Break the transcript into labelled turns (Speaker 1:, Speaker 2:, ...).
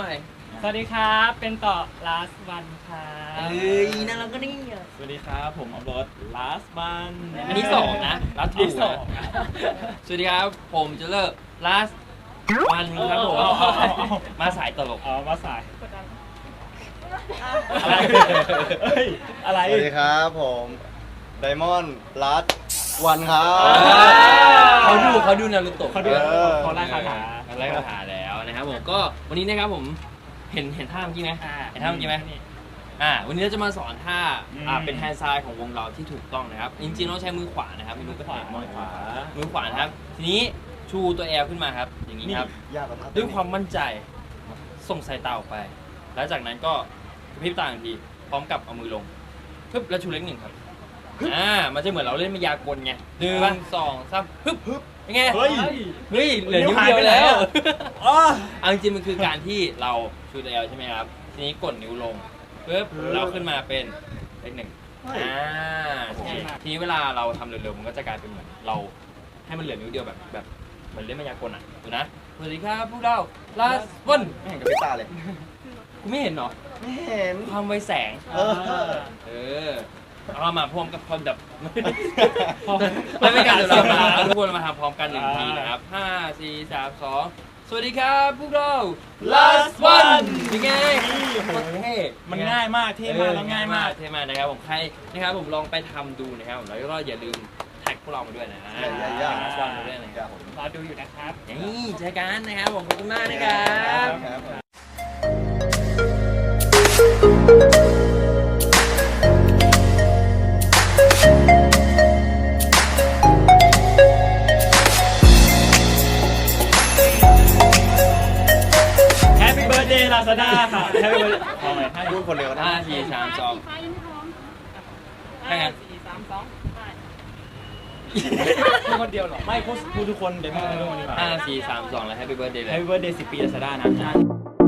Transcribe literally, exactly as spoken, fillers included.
Speaker 1: หน่อย
Speaker 2: สวัสดีครับเป็นต่อ last one ครับ
Speaker 1: เอ้ยน่ารักก็นี่
Speaker 3: สวัสดีครับผมอัพโหลด last one
Speaker 1: อันนี้สองนะ last
Speaker 2: ที่
Speaker 1: two
Speaker 2: สอง
Speaker 1: นะสวัสดีครับผมจะเลิก last one ครับผมมาสายตลก
Speaker 3: เอามาสายอะไรเฮ้ยอะไร
Speaker 4: สวัสดีครับผมไดมอนด์ลัดวันครับ
Speaker 1: เขาดูเขาดูนารูโตะ
Speaker 3: เขาดู
Speaker 4: เออ
Speaker 3: เขาไล่คาถา
Speaker 1: เขาไล่คาถาแล้วนะครับผมก็วันนี้นะครับผมเห็นเห็นท่าเมื่อกี้ไหม
Speaker 2: อ่า
Speaker 1: เห็นท่าเมื่อกี้ไหมอ่าวันนี้เราจะมาสอนท่าอ่าเป็นแฮนด์ไซด์ของวงเราที่ถูกต้องนะครับจริงๆต้องใช้มือขวานะครับไม่รู้ก็
Speaker 3: ขวา
Speaker 1: เห็น
Speaker 3: มองขวา
Speaker 1: มือขวานะครับทีนี้ชูตัวแอลขึ้นมาครับอย่างนี้ครับ
Speaker 4: ยากกว่าท่า
Speaker 1: ด้วยความมั่นใจส่งสายตาออกไป แล้วจากนั้นก็กระพริบตาทันทีพร้อมกับเอามือลงปึ๊บแล้วชูเล็กหนึ่งครับอ่ามันจะเหมือนเราเล่นมายากลไงหนึ่งสองสามปึ๊บปึ๊บยังไง
Speaker 3: เฮ้ย
Speaker 1: เฮ้ยเหลือนิ้วเดียวแล้ว
Speaker 3: อ๋อ
Speaker 1: เอาจริงๆมันคือการที่เราชูตัวแอลใช่ไหมครับทีนี้กดนิ้วลงปึ๊บเราขึ้นมาเป็นเลขหนึ่งอ่าใช่ทีนี้เวลาเราทำเร็วๆมันก็จะกลายเป็นเหมือนเราให้มันเหลือนิ้วเดียวแบบแบบเหมือนเล่นมายากลอ่ะดูนะสวัสดีครับพวกเราลาสวัน
Speaker 4: ไม่เห็นกับพี่ตาเลย
Speaker 1: กูไม่เห็นเหรอ
Speaker 4: ไม่เห็น
Speaker 1: ความไวแสง
Speaker 4: เออ
Speaker 1: เออเอามาพร้อมกับความดับไม่เป็นการเดี๋ยวเรามาเอาทุกคนมาทำพร้อมกันหนึ่งทีนะครับห้าสี่สามสองสวัสดีครับพวกเรา last one ยังไง
Speaker 3: โอ้โห
Speaker 1: เท่
Speaker 3: มันง่ายมากเท่มากแล้วง่ายมาก
Speaker 1: เท่มากนะครับผมใครนะครับผมลองไปทำดูนะครับผมแล้วก็อย่าลืมแท็กพวกเรามาด้วยนะ
Speaker 4: อย่าอย่าอย่า
Speaker 1: แท็ก last one มาด้วยนะครับผม
Speaker 2: รอดูอยู่นะครับ
Speaker 1: นี่เจอกันนะครับผมขอบคุณมากนะครับ
Speaker 4: ครับ
Speaker 3: แฮปปี้เบิร์ดเดย์ลาซาด้าค่ะแฮปปี้เบิร์ดเอาใหม่ให้
Speaker 4: พูดคนเดียวก็ได้
Speaker 1: ห้าสี่สามสอง
Speaker 5: ฟ้ายังไม่พร้อม
Speaker 1: ให้ไง
Speaker 5: สี่สามสองไป
Speaker 3: พูดคนเดียวเหรอไม่พูดพูดทุกคนเดี๋ยวพูดทุกคนดีกว่า
Speaker 1: ห้าสี่สามสองแล้ว Happy Birthday เลย
Speaker 3: แฮปปี้เบิร์ดเดย์สิบปีลาซาด้านะ